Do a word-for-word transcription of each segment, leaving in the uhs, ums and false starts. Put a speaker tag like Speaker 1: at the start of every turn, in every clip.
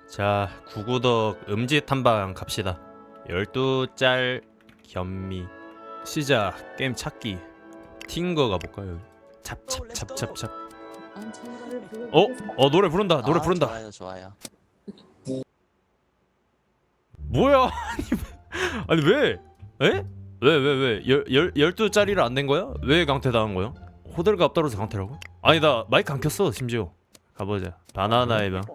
Speaker 1: 자, 구구덕 음지 탐방 갑시다. 열두 짤 겸미 시작. 게임 찾기 팅거 가볼까요? 잡잡잡잡잡. 어? 어 노래 부른다. 노래
Speaker 2: 아,
Speaker 1: 부른다.
Speaker 2: 좋아요, 좋아요.
Speaker 1: 뭐야? 아니 왜? 에? 왜 왜 왜? 열 열두 짤이라 안 된 거야? 왜 강퇴 당한 거야? 호들갑 떨어서 강퇴라고? 아니 나 마이크 안 켰어 심지어. 가보자. 바나나의 방.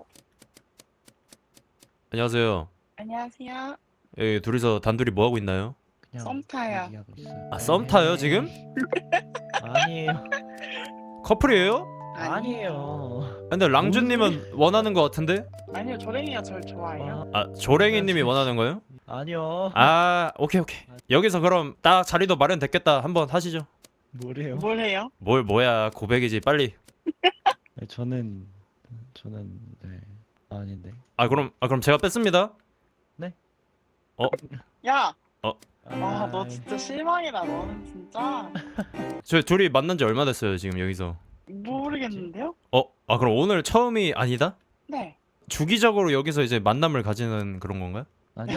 Speaker 1: 안녕하세요.
Speaker 3: 안녕하세요.
Speaker 1: 여기 둘이서 단둘이 뭐 하고 있나요?
Speaker 3: 썸 타요.
Speaker 1: 아 썸 타요 지금?
Speaker 4: 아니에요.
Speaker 1: 커플이에요?
Speaker 4: 아니에요.
Speaker 1: 근데 랑준님은 원하는 거 같은데?
Speaker 3: 아니요, 조랭이가 절 좋아해요.
Speaker 1: 아 조랭이님이 원하는 거요?
Speaker 4: 아니요.
Speaker 1: 아 오케이 오케이. 여기서 그럼 딱 자리도 마련됐겠다. 한번 하시죠.
Speaker 4: 뭐래요?
Speaker 3: 뭘 해요?
Speaker 1: 뭘 뭐야 고백이지 빨리.
Speaker 4: 네, 저는 저는 네 아닌데.
Speaker 1: 아 그럼 아 그럼 제가 뺐습니다.
Speaker 3: 야!
Speaker 1: 어?
Speaker 3: 아, 너 진짜 실망이다. 너는 진짜
Speaker 1: 저 둘이 만난 지 얼마 됐어요 지금 여기서?
Speaker 3: 모르겠는데요?
Speaker 1: 어? 아 그럼 오늘 처음이 아니다?
Speaker 3: 네.
Speaker 1: 주기적으로 여기서 이제 만남을 가지는 그런 건가요?
Speaker 4: 아니요?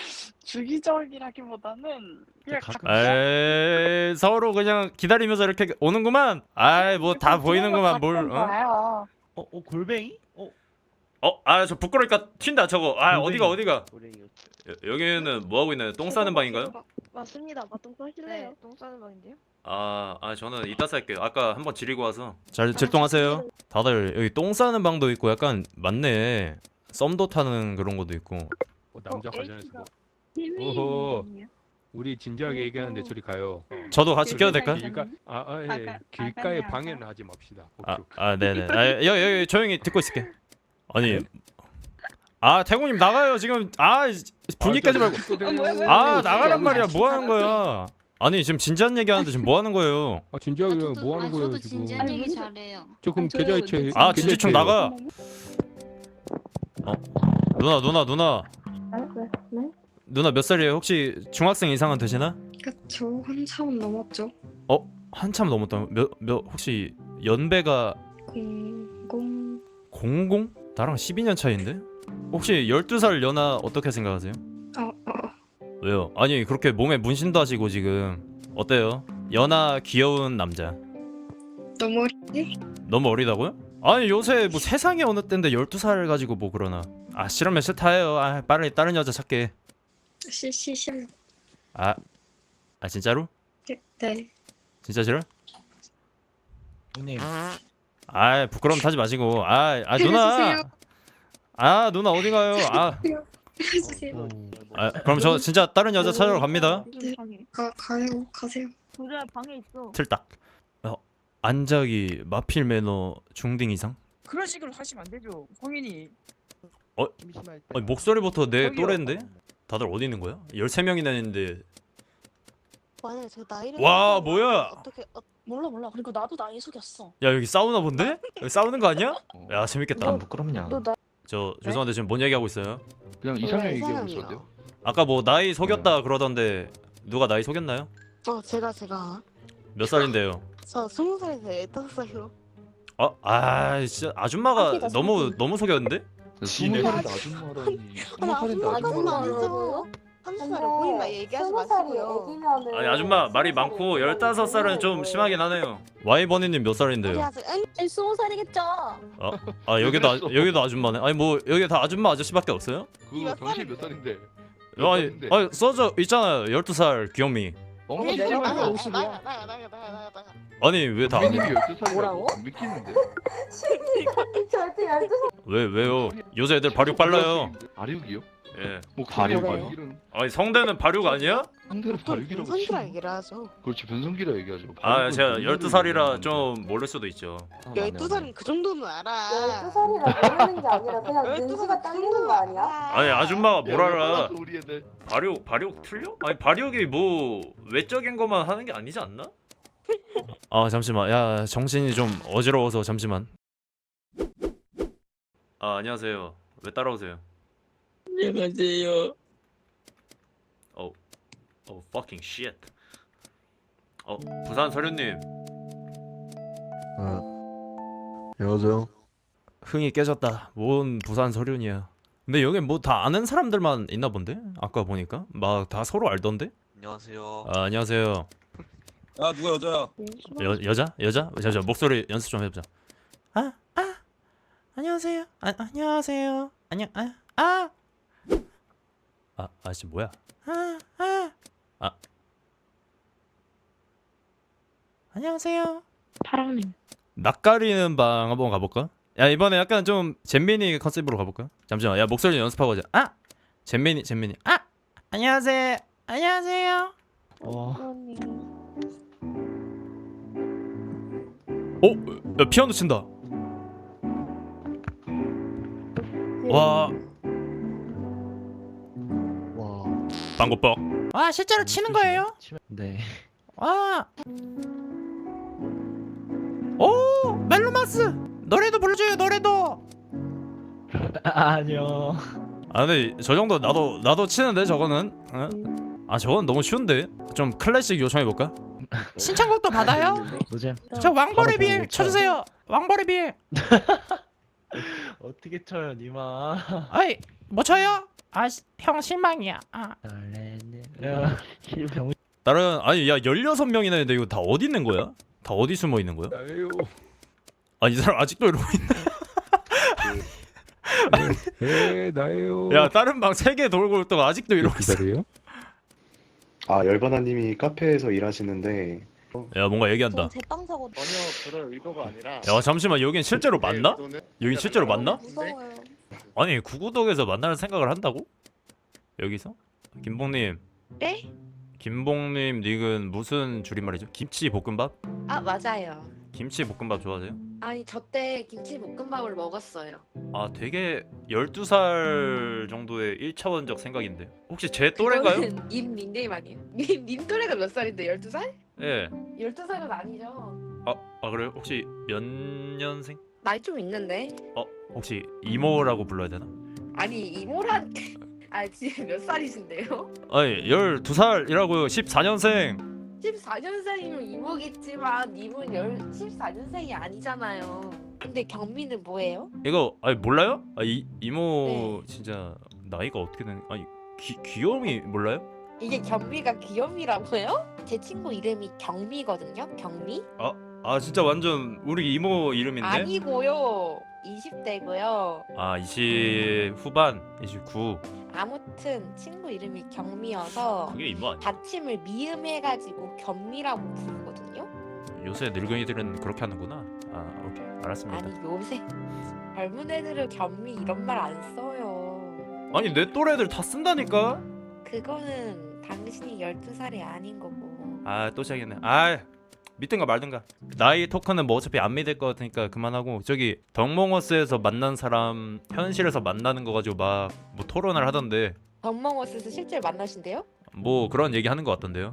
Speaker 3: 주기적이라기보다는 그냥
Speaker 4: 가끔-
Speaker 3: 가끔
Speaker 1: 에이 서로 그냥 기다리면서 이렇게 오는구만. 아이 뭐 다 보이는구만 뭘. 어?
Speaker 3: 봐요.
Speaker 4: 어, 어 골뱅이? 어
Speaker 1: 어? 아 저 부끄러니까 튄다 저거. 아
Speaker 4: 골뱅이.
Speaker 1: 어디가 어디가?
Speaker 4: 골뱅이.
Speaker 1: 여, 여기는 뭐 하고 있나요? 똥 싸는 방인가요?
Speaker 5: 맞습니다. 맞똥 싸실래요?
Speaker 6: 네, 똥 싸는 방인데요?
Speaker 1: 아, 아 저는 이따 살게요. 아까 한번 지리고 와서. 잘 질동하세요. 다들 여기 똥 싸는 방도 있고 약간 맞네. 썸도 타는 그런 것도 있고.
Speaker 7: 어, 남자
Speaker 5: 어,
Speaker 7: 관련해서 뭐.
Speaker 5: 팀이
Speaker 7: 오호. 우리 진지하게 얘기하는데 저리 가요.
Speaker 1: 저도 같이 껴도 될까요?
Speaker 7: 길가 아, 아, 예.
Speaker 3: 아까-
Speaker 7: 길가에
Speaker 3: 아까
Speaker 7: 방해는 하지 맙시다.
Speaker 1: 아,
Speaker 7: 오케이, 오케이.
Speaker 1: 아 네네. 아, 여기 여기 조용히 듣고 있을게. 아니. 아 태구님 나가요 지금. 아 분위기 깨지 말고. 아 나가란 말이야. 뭐 하는 거야? 아니 지금 진지한 얘기하는데 지금 뭐 하는 거예요?
Speaker 7: 아 진지하게
Speaker 6: 아, 저도,
Speaker 7: 뭐 하는
Speaker 6: 아,
Speaker 7: 거예요
Speaker 6: 저도
Speaker 7: 지금?
Speaker 6: 진지한
Speaker 5: 아니,
Speaker 6: 얘기
Speaker 5: 무슨-
Speaker 6: 잘해요.
Speaker 7: 저 그럼
Speaker 5: 저-
Speaker 7: 계좌이체.
Speaker 1: 아
Speaker 7: 계좌이체
Speaker 1: 진지충 나가. 어 누나 누나 누나
Speaker 5: 네?
Speaker 1: 누나 몇 살이에요? 혹시 중학생 이상은 되시나?
Speaker 5: 그쵸. 한참 넘었죠.
Speaker 1: 한참 넘었다. 몇 몇 혹시 연배가
Speaker 5: 공공
Speaker 1: 공공? 나랑 십이 년 차인데? 혹시 열두 살 연하 어떻게 생각하세요?
Speaker 5: 어, 어.
Speaker 1: 왜요? 아니 그렇게 몸에 문신도 하시고 지금 어때요? 연하 귀여운 남자
Speaker 5: 너무 어리지?
Speaker 1: 너무 어리다고요? 아니 요새 뭐 세상에 어느 때인데 열두 살 가지고 뭐 그러나. 아 싫으면 싫다해요. 아 빨리 다른 여자 찾게.
Speaker 5: 시시시.
Speaker 1: 아, 아 진짜로?
Speaker 5: 네.
Speaker 1: 진짜 싫어?
Speaker 4: 형님.
Speaker 1: 아 부끄러움 타지 마시고. 아, 아 누나
Speaker 5: 해주세요.
Speaker 1: 아 누나 어디 가요? 아,
Speaker 5: 해주세요.
Speaker 1: 아 그럼 저 진짜 다른 여자 찾으러 갑니다.
Speaker 5: 네. 가 가요. 가세요.
Speaker 6: 도저히 방에 있어.
Speaker 1: 틀딱. 어, 안작이 마필 매너 중딩 이상?
Speaker 8: 그런 식으로 하시면 안 되죠. 성인이
Speaker 1: 아니 목소리부터 내
Speaker 8: 저기요.
Speaker 1: 또래인데? 다들 어디 있는 거야? 열세 명이나 있는데.
Speaker 6: 만약에 제 나이를
Speaker 1: 와,
Speaker 6: 속이면
Speaker 1: 뭐야?
Speaker 6: 어떻게 어, 몰라 몰라. 그리고 나도 나이 속였어.
Speaker 1: 야 여기 싸우나 본데? 여기 싸우는 거 아니야? 야 재밌겠다.
Speaker 4: 부끄럽냐?
Speaker 6: 너 나.
Speaker 1: 저 죄송한데 지금 뭔 얘기하고 있어요?
Speaker 7: 그냥
Speaker 6: 네,
Speaker 7: 이상형 얘기하고
Speaker 6: 이상형이요.
Speaker 7: 있었는데요.
Speaker 1: 아까 뭐 나이 속였다 그러던데 누가 나이 속였나요?
Speaker 6: 어 제가 제가
Speaker 1: 몇 살인데요?
Speaker 6: 저 스무 살에서 열다섯 살로.
Speaker 1: 어? 아 진짜 아줌마가
Speaker 6: 사기다,
Speaker 1: 너무
Speaker 6: 사기.
Speaker 1: 너무 속였는데?
Speaker 7: 스무 살인데 아줌마라니. 스무 살인데
Speaker 6: 아줌마
Speaker 7: 아줌마.
Speaker 6: 아니죠. 삼십 살에 보인 나이 얘기하지 마시고요.
Speaker 1: 아니 아줌마 말이 많고 열다섯 살은 좀 심하긴 하네요. 와이버니님 몇 살인데요?
Speaker 6: 아니 스무 살이겠죠.
Speaker 1: 아 여기도 아, 여기도 아줌마네. 아니 뭐 여기 다 아줌마 아저씨밖에 없어요?
Speaker 7: 그거 당신 몇 살인데?
Speaker 1: 아니, 아니 써져 있잖아요. 열두 살 귀요미.
Speaker 7: 어?
Speaker 6: 네,
Speaker 7: 나가
Speaker 6: 나가
Speaker 5: 오십이야.
Speaker 6: 나가 나가 나가 나가 나가.
Speaker 1: 아니 왜 다?
Speaker 7: 민님이 열두 살이라고?
Speaker 6: 뭐라고?
Speaker 7: 믿기는데?
Speaker 5: 절대 열두
Speaker 1: 왜 왜요? 요새 애들 발육 빨라요.
Speaker 7: 발육이요?
Speaker 1: 예.
Speaker 7: 뭐
Speaker 4: 발육?
Speaker 7: 발육? 이런
Speaker 1: 아니 성대는 발육 아니야?
Speaker 7: 상대를 발육이라고
Speaker 6: 변성기라
Speaker 7: 치면
Speaker 6: 얘기를 하죠.
Speaker 7: 그렇지 변성기라 얘기하죠.
Speaker 1: 아
Speaker 7: 발육은
Speaker 1: 제가
Speaker 7: 변성기라
Speaker 1: 열두 살이라
Speaker 7: 얘기하는데.
Speaker 1: 좀 모를 수도 있죠.
Speaker 6: 열두 살은 그 정도는 알아.
Speaker 9: 열두 살이라 모르는 게 아니라 그냥
Speaker 6: 열두
Speaker 9: 눈치가
Speaker 6: 살은
Speaker 9: 딸리는 거 아니야?
Speaker 1: 아니 아줌마가 뭘
Speaker 7: 야,
Speaker 1: 알아?
Speaker 7: 빨랐어, 우리 애들.
Speaker 1: 발육 발육 틀려? 아니 발육이 뭐 외적인 것만 하는 게 아니지 않나? 아 잠시만 야 정신이 좀 어지러워서 잠시만. 아 안녕하세요. 왜 따라오세요?
Speaker 3: 안녕하세요.
Speaker 1: 어 fucking shit. 어 부산 서류님
Speaker 10: 아, 안녕하세요.
Speaker 1: 흥이 깨졌다. 뭔 부산 서륜이야. 근데 여기 뭐 다 아는 사람들만 있나 본데? 아까 보니까 막 다 서로 알던데?
Speaker 2: 안녕하세요.
Speaker 1: 아, 안녕하세요.
Speaker 8: 아 누가 여자야?
Speaker 1: 여 여자? 여자? 잠시만 목소리 연습 좀 해보자. 아, 아, 안녕하세요. 아, 안녕하세요. 안녕, 아, 아, 아, 아씨 뭐야? 아, 아, 아, 안녕하세요.
Speaker 5: 파랑님.
Speaker 1: 낯가리는 방 한번 가볼까? 야 이번에 약간 좀 잼민이 컨셉으로 가볼까? 잠시만, 야 목소리 연습하고 하자. 아, 잼민이, 잼민이. 아, 안녕하세요. 안녕하세요.
Speaker 4: 어,
Speaker 1: 어, 야 피아노 친다. 와,
Speaker 4: 와.
Speaker 1: 빵고뻑. 아 실제로 치는 거예요?
Speaker 4: 치면- 네.
Speaker 1: 아, 오 멜로마스 노래도 불러줘요 노래도.
Speaker 4: 아, 아니요.
Speaker 1: 아 근데 저 정도 나도 나도 치는데 저거는. 응? 아 저건 너무 쉬운데. 좀 클래식 요청해 볼까? 신청곡도 받아요?
Speaker 4: 노잼.
Speaker 1: 저 왕벌의
Speaker 4: 바로
Speaker 1: 비엘
Speaker 4: 보고
Speaker 1: 쳐주세요. 왕벌의 비엘.
Speaker 4: 어떻게 쳐요, 니마?
Speaker 1: 아이 뭐 쳐요? 아 형 실망이야. 아.
Speaker 4: 설레는 야, 병.
Speaker 1: 다른 아니 야 열여섯 명이나 있는데 이거 다 어디 있는 거야? 다 어디 숨어 있는 거야?
Speaker 7: 나예요.
Speaker 1: 아 이 사람 아직도 이러고
Speaker 7: 네, 나예요.
Speaker 1: 있네. 야 다른 방 세 개 돌고 또 아직도 이러고 있어.
Speaker 7: 기다려요?
Speaker 10: 아, 열바나님이 카페에서 일하시는데
Speaker 1: 야 뭔가 얘기한다.
Speaker 6: 제빵 사고
Speaker 10: 전혀 그럴 의도가 아니라
Speaker 1: 야 잠시만 여긴 실제로 맞나? 여긴 실제로 맞나?
Speaker 6: 무서워요.
Speaker 1: 아니 구구덕에서 만날 생각을 한다고? 여기서? 김봉님.
Speaker 5: 네?
Speaker 1: 김봉님 닉은 무슨 줄임말이죠? 김치 볶음밥?
Speaker 5: 아 맞아요.
Speaker 1: 김치 볶음밥 좋아하세요?
Speaker 5: 아니 저 때 김치볶음밥을 먹었어요.
Speaker 1: 아 되게 열두 살 정도의 일 차원적 생각인데 혹시 제 또래인가요?
Speaker 5: 그거는 임님님 아니에요? 님, 님 또래가 몇 살인데 열두 살?
Speaker 1: 예.
Speaker 5: 열두 살은 아니죠.
Speaker 1: 아, 아 그래요? 혹시 몇 년생?
Speaker 5: 나이 좀 있는데.
Speaker 1: 어 혹시 이모라고 불러야 되나?
Speaker 5: 아니 이모란 아 지금 몇 살이신데요?
Speaker 1: 아니 열두 살이라고요. 십사 년생.
Speaker 5: 십사 년생이면 이모겠지만 님은 열 십사 년생이 아니잖아요. 근데 경미는 뭐예요?
Speaker 1: 이거 아니 몰라요? 아 이 이모
Speaker 5: 네.
Speaker 1: 진짜 나이가 어떻게 되는? 아니 귀 귀염이 몰라요?
Speaker 5: 이게 경미가 귀염이라고요? 제 친구 이름이 경미거든요. 경미?
Speaker 1: 아 진짜 완전 우리 이모 이름인데?
Speaker 5: 아니고요. 이십 대고요.
Speaker 1: 아 이십 후반 이십구.
Speaker 5: 아무튼 친구 이름이 경미여서
Speaker 1: 그게 이모 아니야?
Speaker 5: 받침을 미음해가지고 경미라고 부르거든요.
Speaker 1: 요새 늙은이들은 그렇게 하는구나. 아 오케이 알았습니다.
Speaker 5: 아니 요새 젊은 애들은 경미 이런 말 안 써요.
Speaker 1: 아니 내 또래들 다 쓴다니까.
Speaker 5: 그거는 당신이 열두 살이 아닌 거고.
Speaker 1: 아 또 시작했네. 아 믿든가 말든가. 나이 토크는 뭐 어차피 안 믿을 것 같으니까 그만하고 저기 덕몽어스에서 만난 사람 현실에서 만나는 거 가지고 막 뭐 토론을 하던데
Speaker 5: 덕몽어스에서 실제로 만나신대요?
Speaker 1: 뭐 그런 얘기 하는 것 같던데요.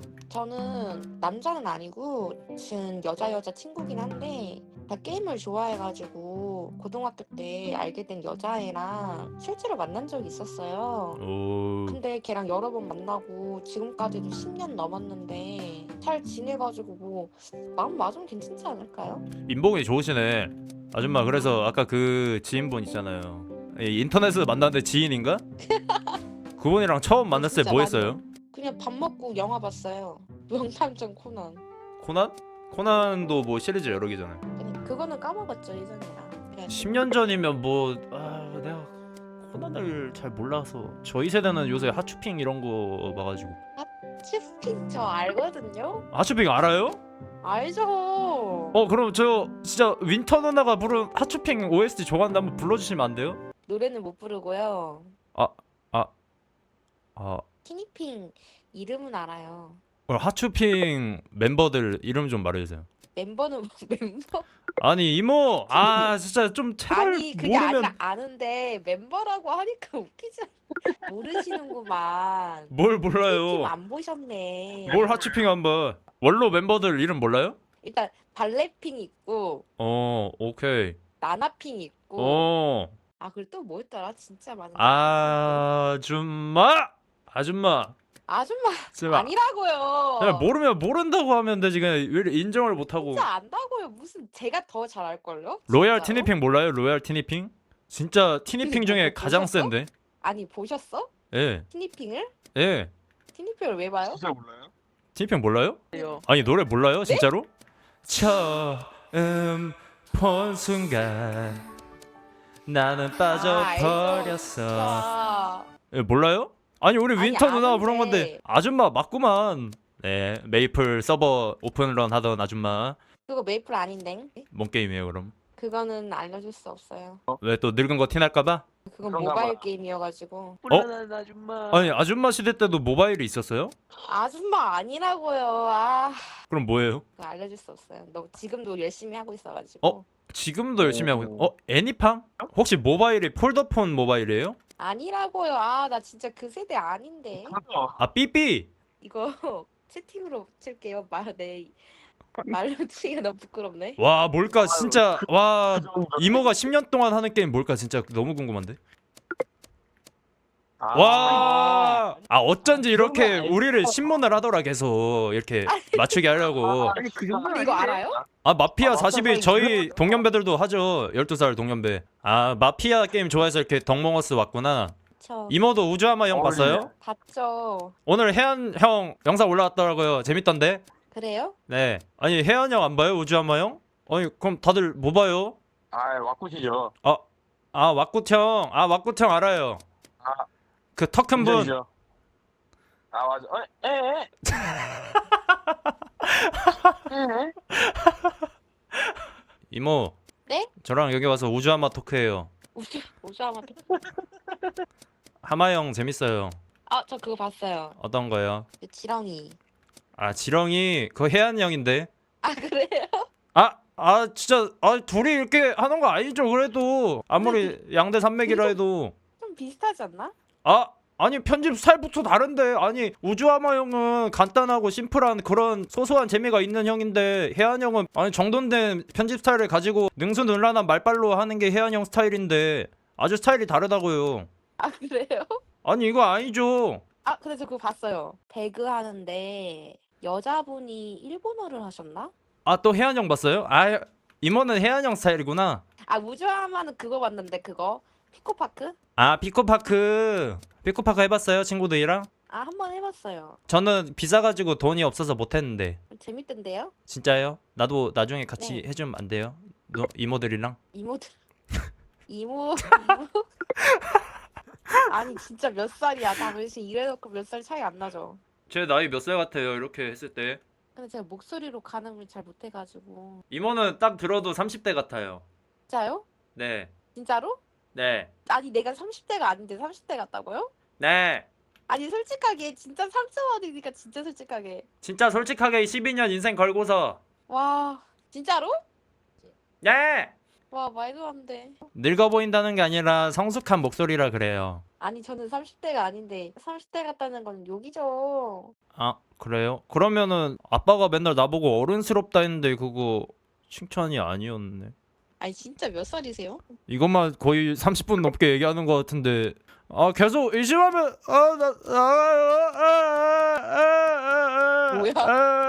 Speaker 5: 저는 남자는 아니고 지금 여자 여자 친구긴 한데 다 게임을 좋아해가지고 고등학교 때 알게 된 여자애랑 실제로 만난 적이 있었어요.
Speaker 1: 오.
Speaker 5: 근데 걔랑 여러 번 만나고 지금까지도 십 년 넘었는데 잘 지내가지고 뭐 마음 맞으면 괜찮지 않을까요?
Speaker 1: 인복이 좋으시네 아줌마. 그래서 아까 그 지인분 있잖아요. 이 인터넷에서 만났는데 지인인가? 그분이랑 처음 만났을 때
Speaker 5: 진짜
Speaker 1: 뭐 했어요?
Speaker 5: 그냥 밥 먹고 영화 봤어요. 명탐정 코난.
Speaker 1: 코난? 코난도 뭐 시리즈 여러 개잖아요.
Speaker 5: 아니, 그거는 까먹었죠 예전이랑. 그냥
Speaker 1: 십 년 전이면 뭐 아, 내가 코난을 잘 몰라서 저희 세대는 요새 하츄핑 이런 거 봐가지고.
Speaker 5: 치스핀 저 알거든요.
Speaker 1: 하츄핑 알아요?
Speaker 5: 알죠.
Speaker 1: 어 그럼 저 진짜 윈터 누나가 부른 하츄핑 오에스티 좋아하는데 한번 불러주시면 안 돼요?
Speaker 5: 노래는 못 부르고요.
Speaker 1: 아
Speaker 5: 티니핑 이름은 알아요.
Speaker 1: 그럼 하츄핑 멤버들 이름 좀 말해주세요.
Speaker 5: 멤버는 멤버
Speaker 1: 아니 이모 아 진짜 좀 제발
Speaker 5: 아니 그게
Speaker 1: 모르면
Speaker 5: 아니라 아는데 멤버라고 하니까 웃기지 않아? 모르시는구만.
Speaker 1: 뭘
Speaker 5: 팀
Speaker 1: 몰라요.
Speaker 5: 안 보셨네.
Speaker 1: 뭘 하츄핑 한번. 원로 멤버들 이름 몰라요?
Speaker 5: 일단 발레핑 있고
Speaker 1: 어 오케이.
Speaker 5: 나나핑 있고
Speaker 1: 어
Speaker 5: 아 그리고 또 뭐였더라 진짜 많은
Speaker 1: 아줌마 아줌마
Speaker 5: 아줌마
Speaker 1: 제발
Speaker 5: 아니라고요.
Speaker 1: 그냥 모르면 모른다고 하면 되지 그냥 왜 이렇게 인정을 못하고.
Speaker 5: 진짜 안다고요. 무슨 제가 더 잘 알걸요?
Speaker 1: 로얄
Speaker 5: 진짜로?
Speaker 1: 티니핑 몰라요? 로얄 티니핑? 진짜 티니핑 중에
Speaker 5: 그거
Speaker 1: 가장
Speaker 5: 보셨어?
Speaker 1: 센데.
Speaker 5: 아니 보셨어?
Speaker 1: 예.
Speaker 5: 티니핑을?
Speaker 1: 예.
Speaker 5: 티니핑을 왜 봐요?
Speaker 8: 진짜 몰라요?
Speaker 1: 티니핑 몰라요? 아니 노래 몰라요? 진짜로? 처음 본 순간 나는 빠져버렸어.
Speaker 5: 아,
Speaker 1: 예, 몰라요? 아니 우리
Speaker 5: 아니,
Speaker 1: 윈터 누나가 부른
Speaker 5: 아는데.
Speaker 1: 건데 아줌마 맞구만. 네 메이플 서버 오픈런 하던 아줌마.
Speaker 5: 그거 메이플 아닌데?
Speaker 1: 뭔 게임이에요 그럼?
Speaker 5: 그거는 알려줄 수 없어요.
Speaker 1: 왜 또 늙은 거 티날까봐?
Speaker 5: 그건
Speaker 8: 그런가
Speaker 5: 모바일
Speaker 8: 봐.
Speaker 5: 게임이어가지고.
Speaker 4: 불안한 아줌마.
Speaker 1: 아니 아줌마 시대 때도 모바일이 있었어요?
Speaker 5: 아줌마 아니라고요. 아,
Speaker 1: 그럼 뭐예요?
Speaker 5: 그거 알려줄 수 없어요. 너 지금도 열심히 하고 있어가지고.
Speaker 1: 어? 지금도 열심히 하고 있... 어? 애니팡? 혹시 모바일이 폴더폰 모바일이에요?
Speaker 5: 아니라고요. 아, 나 진짜 그 세대 아닌데.
Speaker 1: 아 삐삐!
Speaker 5: 이거 채팅으로 칠게요. 말, 내 말로 치기가 너무 부끄럽네.
Speaker 1: 와 뭘까 진짜 와 이모가 십 년 동안 하는 게임 뭘까 진짜 너무 궁금한데? 와, 아 어쩐지 이렇게 우리를 신문을 하더라 계속 이렇게 맞추게 하려고.
Speaker 4: 아니 그 정도
Speaker 5: 근데 이거 알아요?
Speaker 1: 아 마피아 사십일 저희 동년배들도 하죠. 열두 살 동년배. 아 마피아 게임 좋아해서 이렇게 덕몽어스 왔구나.
Speaker 5: 저
Speaker 1: 이모도 우주하마 형 봤어요?
Speaker 5: 봤죠.
Speaker 1: 오늘 혜연 형 영상 올라왔더라고요. 재밌던데?
Speaker 5: 그래요?
Speaker 1: 네. 아니 혜연 형 안 봐요? 우주하마 형? 아니 그럼 다들 뭐 봐요?
Speaker 8: 아, 와꾸시죠.
Speaker 1: 아, 아 왁구청. 아 왁구청 알아요.
Speaker 8: 아.
Speaker 1: 그 턱 큰 분.
Speaker 8: 인정이죠. 아, 맞아. 어, 에, 에. 에.
Speaker 1: 이모.
Speaker 5: 네?
Speaker 1: 저랑 여기 와서 우주하마 토크해요.
Speaker 5: 우주 우주하마.
Speaker 1: 하마 형 재밌어요.
Speaker 5: 아, 저 그거 봤어요.
Speaker 1: 어떤 거요?
Speaker 5: 그 지렁이.
Speaker 1: 아 지렁이 그거 혜연 형인데.
Speaker 5: 아, 그래요?
Speaker 1: 아, 아 진짜 아 둘이 이렇게 하는 거 아니죠? 그래도 아무리 양대 산맥이라 해도
Speaker 5: 좀 비슷하지 않나?
Speaker 1: 아 아니 편집 스타일부터 다른데 아니 우주하마 형은 간단하고 심플한 그런 소소한 재미가 있는 형인데 혜연 형은 아니 정돈된 편집 스타일을 가지고 능수능란한 말빨로 하는 게 혜연 형 스타일인데 아주 스타일이 다르다고요.
Speaker 5: 아, 그래요?
Speaker 1: 아니 이거 아니죠.
Speaker 5: 아, 근데 저 그거 봤어요. 배그 하는데 여자분이 일본어를 하셨나?
Speaker 1: 아 또 혜연 형 봤어요? 아 이모는 혜연 형 스타일이구나.
Speaker 5: 아, 우주하마는 그거 봤는데 그거 피코파크?
Speaker 1: 아 피코파크 피코파크 해봤어요 친구들이랑?
Speaker 5: 아, 한 번 해봤어요.
Speaker 1: 저는 비싸 가지고 돈이 없어서 못했는데.
Speaker 5: 재밌던데요?
Speaker 1: 진짜요? 나도 나중에 같이
Speaker 5: 네.
Speaker 1: 해주면 안 돼요? 너, 이모들이랑?
Speaker 5: 이모들 이모 이모 아니 진짜 몇 살이야? 나 벌써 이래놓고 몇 살 차이 안 나죠?
Speaker 1: 제 나이 몇 살 같아요 이렇게 했을 때?
Speaker 5: 근데 제가 목소리로 가늠을 잘 못해가지고.
Speaker 1: 이모는 딱 들어도 삼십 대 같아요.
Speaker 5: 진짜요?
Speaker 1: 네.
Speaker 5: 진짜로?
Speaker 1: 네.
Speaker 5: 아니 내가 삼십 대가 아닌데 삼십 대 같다고요?
Speaker 1: 네.
Speaker 5: 아니 솔직하게 진짜 상처받으니까 진짜 솔직하게.
Speaker 1: 진짜 솔직하게 십이 년 인생 걸고서.
Speaker 5: 와 진짜로?
Speaker 1: 네.
Speaker 5: 와 말도 안 돼.
Speaker 1: 늙어 보인다는 게 아니라 성숙한 목소리라 그래요.
Speaker 5: 아니 저는 삼십 대가 아닌데 삼십 대 같다는 건 욕이죠.
Speaker 1: 아 그래요? 그러면은 아빠가 맨날 나보고 어른스럽다 했는데 그거 칭찬이 아니었네.
Speaker 5: 아니 진짜 몇 살이세요?
Speaker 1: 이것만 거의 삼십 분 넘게 얘기하는 것 같은데 아 계속 의심하면 아나 아,
Speaker 5: 뭐야?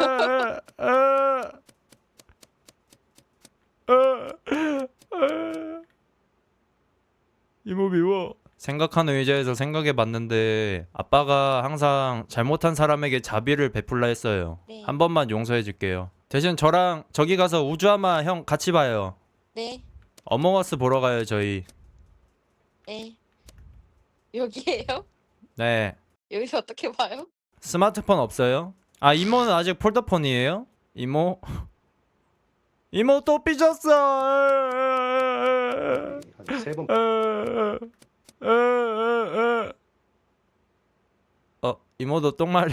Speaker 1: 이모 미워. 생각하는 의자에서 생각해봤는데 아빠가 항상 잘못한 사람에게 자비를 베풀라 했어요.
Speaker 5: 네.
Speaker 1: 한 번만 용서해줄게요. 대신 저랑 저기 가서 우주하마 형 같이 봐요.
Speaker 5: 네.
Speaker 1: 어몽어스 보러 가요 저희.
Speaker 5: 네. 여기에요?
Speaker 1: 네.
Speaker 5: 여기서 어떻게 봐요?
Speaker 1: 스마트폰 없어요? 아 이모는 아직 폴더폰이에요? 이모? 이모 또 삐졌어.
Speaker 10: 한세번
Speaker 1: 어 이모도 똥 마려.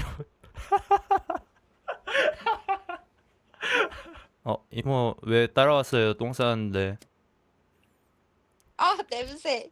Speaker 1: 어 이모 왜 따라왔어요? 똥 싸는데.
Speaker 5: 아 냄새.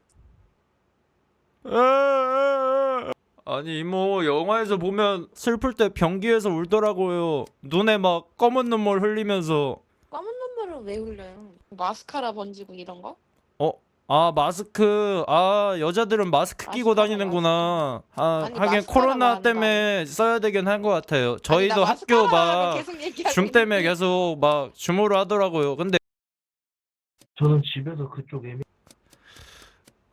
Speaker 1: 아니 이모 영화에서 보면 슬플 때 변기에서 울더라고요. 눈에 막 검은 눈물 흘리면서.
Speaker 5: 검은 눈물을 왜 흘려요? 마스카라 번지고 이런 거?
Speaker 1: 어? 아 마스크. 아 여자들은 마스크 끼고
Speaker 5: 마스카라,
Speaker 1: 다니는구나. 아
Speaker 5: 아니,
Speaker 1: 하긴
Speaker 5: 마스카라가
Speaker 1: 코로나
Speaker 5: 아니라.
Speaker 1: 때문에 써야 되긴 한 것 같아요.
Speaker 5: 아니,
Speaker 1: 저희도
Speaker 5: 나
Speaker 1: 학교
Speaker 5: 마스카라라고
Speaker 1: 막
Speaker 5: 계속 얘기하고
Speaker 1: 줌 때문에
Speaker 5: 있는데.
Speaker 1: 계속 막 줌으로 하더라고요. 근데
Speaker 4: 저는 집에서 그쪽 애매.